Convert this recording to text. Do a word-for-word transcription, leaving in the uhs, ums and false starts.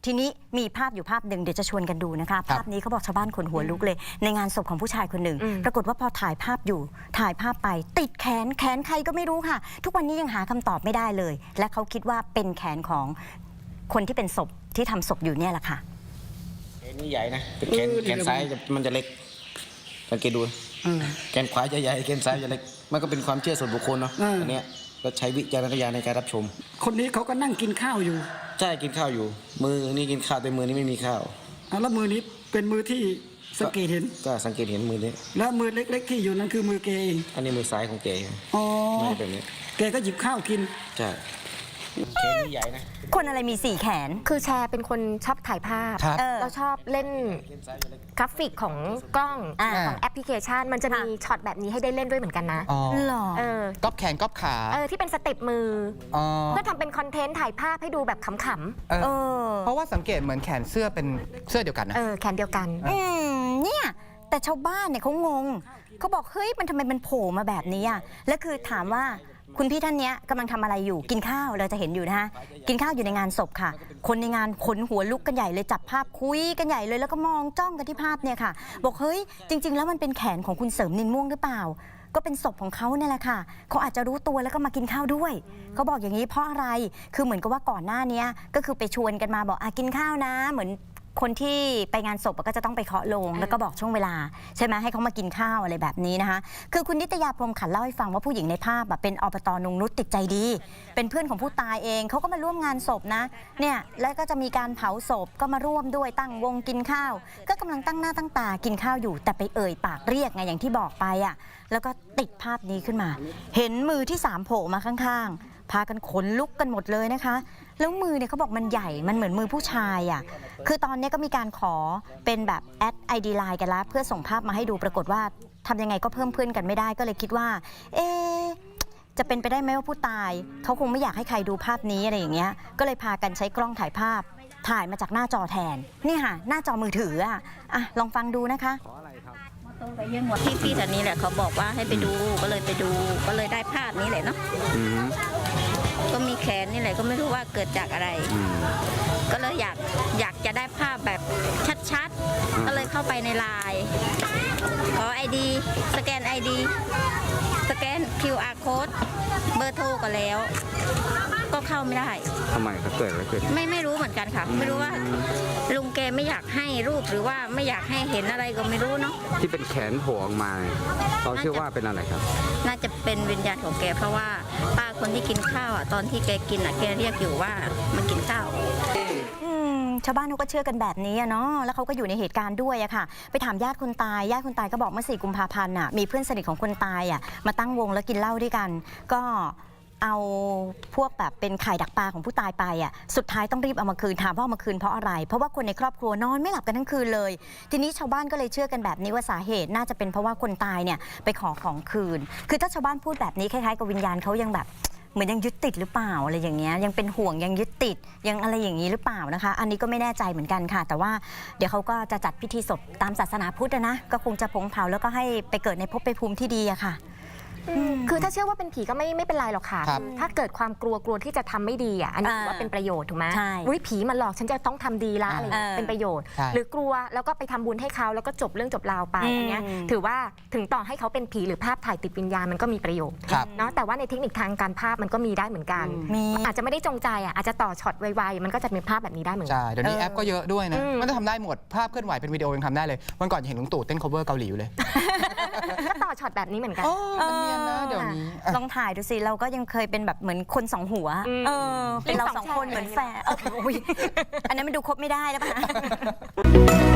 ทีนี้มีภาพอยู่ภาพหนึ่งเดี๋ยวจะชวนกันดูนะคะภาพนี้เขาบอกชาวบ้านขนหัวลุกเลยในงานศพของผู้ชายคนหนึ่งปรากฏว่าพอถ่ายภาพอยู่ถ่ายภาพไปติดแขนแขนใครก็ไม่รู้ค่ะทุกวันนี้ยังหาคำตอบไม่ได้เลยและเขาคิดว่าเป็นแขนของคนที่เป็นศพที่ทำศพอยู่เนี่ยแหละค่ะแขนนี่ใหญ่นะเป็นแขนแขนซ้ายมันจะเล็กสังเกตดูแขนขวาจะใหญ่แขนซ้ายจะเล็กมันก็เป็นความเชื่อส่วนบุคคลเนาะอันนี้ก็ใช้วิจารณญาณในการรับชมคนนี้เขาก็นั่งกินข้าวอยู่ใช่กินข้าวอยู่มือนี่กินข้าวแต่มือนี่ไม่มีข้าวแล้วมือนี้เป็นมือที่สังเกตเห็นก็สังเกตเห็นมือนี้แล้วมือเล็กๆที่อยู่นั่นคือมือแกเองอันนี้มือซ้ายของแกอ๋อไม่แบบนี้แกก็หยิบข้าวกินใช่แขนนี่ใหญ่นะคนอะไรมีสี่แขนคือแชร์เป็นคนชอบถ่ายภาพเราชอบเล่นกราฟิกของกล้องของแอปพลิเคชันมันจะมีช็อตแบบนี้ให้ได้เล่นด้วยเหมือนกันนะอ๋อเออก๊อปแขนก๊อปขาเออที่เป็นสเต็ปมือเพื่อทำเป็นคอนเทนต์ถ่ายภาพให้ดูแบบขำๆเออเพราะว่าสังเกตเหมือนแขนเสื้อเป็นเสื้อเดียวกันนะเออแขนเดียวกันอืมเนี่ยแต่ชาวบ้านเนี่ยเขางงเขาบอกเฮ้ยมันทำไมมันโผล่มาแบบนี้อ่ะและคือถามว่าคุณพี่ท่านนี้กำลังทำอะไรอยู่กินข้าวเราจะเห็นอยู่นะฮะกินข้าวอยู่ในงานศพค่ะคนในงานขนหัวลุกกันใหญ่เลยจับภาพคุยกันใหญ่เลยแล้วก็มองจ้องกันที่ภาพเนี่ยค่ะบอกเฮ้ยจริงๆแล้วมันเป็นแขนของคุณเสริมนินม่วงหรือเปล่าก็เป็นศพของเขาเนี่ยแหละค่ะเขาอาจจะรู้ตัวแล้วก็มากินข้าวด้วยเขาบอกอย่างนี้เพราะอะไรคือเหมือนกับว่าก่อนหน้านี้ก็คือไปชวนกันมาบอกอ่ะกินข้าวนะเหมือนคนที่ไปงานศพก็จะต้องไปเคาะโลงแล้วก็บอกช่วงเวลาใช่ไหมให้เขามากินข้าวอะไรแบบนี้นะคะคือคุณนิตยาพรหมขันเล่าให้ฟังว่าผู้หญิงในภาพเป็นอบต.นงนุชติดใจดีเป็นเพื่อนของผู้ตายเองเขาก็มาร่วมงานศพนะเนี่ยแล้วก็จะมีการเผาศพก็มาร่วมด้วยตั้งวงกินข้าวก็กำลังตั้งหน้าตั้งตากินข้าวอยู่แต่ไปเอ่ยปากเรียกไงอย่างที่บอกไปอ่ะแล้วก็ติดภาพนี้ขึ้นมาเห็นมือที่สามโผล่มาข้างๆพากันขนลุกกันหมดเลยนะคะแล้วมือเนี่ยเขาบอกมันใหญ่มันเหมือนมือผู้ชายอ่ะคือตอนนี้ก็มีการขอเป็นแบบแอดไอดีไลน์กันแล้วเพื่อส่งภาพมาให้ดูปรากฏว่าทำยังไงก็เพิ่มเพื่อนกันไม่ได้ก็เลยคิดว่าเอ๊ะจะเป็นไปได้ไหมว่าผู้ตายเขาคงไม่อยากให้ใครดูภาพนี้อะไรอย่างเงี้ยก็เลยพากันใช้กล้องถ่ายภาพถ่ายมาจากหน้าจอแทนนี่ค่ะหน้าจอมือถืออ่ะอ่ะลองฟังดูนะคะที่พี่แถวนี้แหละเขาบอกว่าให้ไปดูก็เลยไปดูก็เลยได้ภาพนี้แหละเนาะก็มีแขนนี่แหละก็ไม่รู้ว่าเกิดจากอะไรก็เลยอยากอยากจะได้ภาพแบบชัดๆก็เลยเข้าไปในไลน์ขอ ไอ ดี สแกน ไอ ดี สแกน คิว อาร์ Code เบอร์โทรก็แล้วก็เข้าไม่ได้ทำไมครับเกิดอะไรขึ้นไม่ไม่รู้เหมือนกันค่ะไม่รู้ว่าลุงแกไม่อยากให้รูปหรือว่าไม่อยากให้เห็นอะไรก็ไม่รู้เนาะที่เป็นแขนโผล่ออกมาเราเชื่อว่าเป็นอะไรครับน่าจะเป็นวิญญาณของแกเพราะว่าป้าคนที่กินข้าวอ่ะตอนที่แกกินอ่ะแกเรียกอยู่ว่ามากินข้าวชาวบ้านเขาก็เชื่อกันแบบนี้เนาะแล้วเขาก็อยู่ในเหตุการณ์ด้วยอะค่ะไปถามญาติคนตายญาติคนตายก็บอกเมื่อสี่กุมภาพันธ์อะมีเพื่อนสนิทของคนตายอะมาตั้งวงแล้วกินเหล้าด้วยกันก็เอาพวกแบบเป็นไข่ดักปลาของผู้ตายไปอ่ะสุดท้ายต้องรีบเอามาคืนถามว่าเอามาคืนเพราะอะไรเพราะว่าคนในครอบครัวนอนไม่หลับกันทั้งคืนเลยทีนี้ชาวบ้านก็เลยเชื่อกันแบบนี้ว่าสาเหตุน่าจะเป็นเพราะว่าคนตายเนี่ยไปขอของคืนคือถ้าชาวบ้านพูดแบบนี้คล้ายๆกับวิญญาณเขายังแบบเหมือนยังยึดติดหรือเปล่าอะไรอย่างเงี้ยยังเป็นห่วงยังยึดติดยังอะไรอย่างนี้หรือเปล่านะคะอันนี้ก็ไม่แน่ใจเหมือนกันค่ะแต่ว่าเดี๋ยวเขาก็จะจัดพิธีศพตามศาสนาพุทธนะก็คงจะผงเผาแล้วก็ให้ไปเกิดในภพภูมิที่ดีอะค่ะคือถ้าเชื่อว่าเป็นผีก็ไม่ไม่เป็นไรหรอกค่ะถ้าเกิดความกลัวกลัวที่จะทำไม่ดีอ่ะอันนี้ถือว่าเป็นประโยชน์ถูกไหมอุ้ยผีมันหลอกฉันจะต้องทำดีละอะไรเป็นประโยชน์หรือกลัวแล้วก็ไปทำบุญให้เขาแล้วก็จบเรื่องจบราวไปอันนี้ถือว่าถึงต่อให้เขาเป็นผีหรือภาพถ่ายติดวิญญาณมันก็มีประโยชน์เนาะแต่ว่าในเทคนิคทางการภาพมันก็มีได้เหมือนกันอาจจะไม่ได้จงใจอ่ะอาจจะต่อช็อตไวๆมันก็จะเป็นภาพแบบนี้ได้เหมือนกันใช่เดี๋ยวนี้แอปก็เยอะด้วยนะมันจะทำได้หมดภาพเคลื่อนไหวเป็นวิดีโอยังทำได้เลยวันก่อนเห็นลุงตู่เต้น cover เกาหลีอยู่เลยก็ต่อช็อตแบบนี้เหมือนกันมันเนียนนะเดี๋ยวนี้ลองถ่ายดูสิเราก็ยังเคยเป็นแบบเหมือนคนสองหัวเออเป็นเราสองคนเหมือนแฝดอันนั้นมันดูครบไม่ได้แล้วป่ะ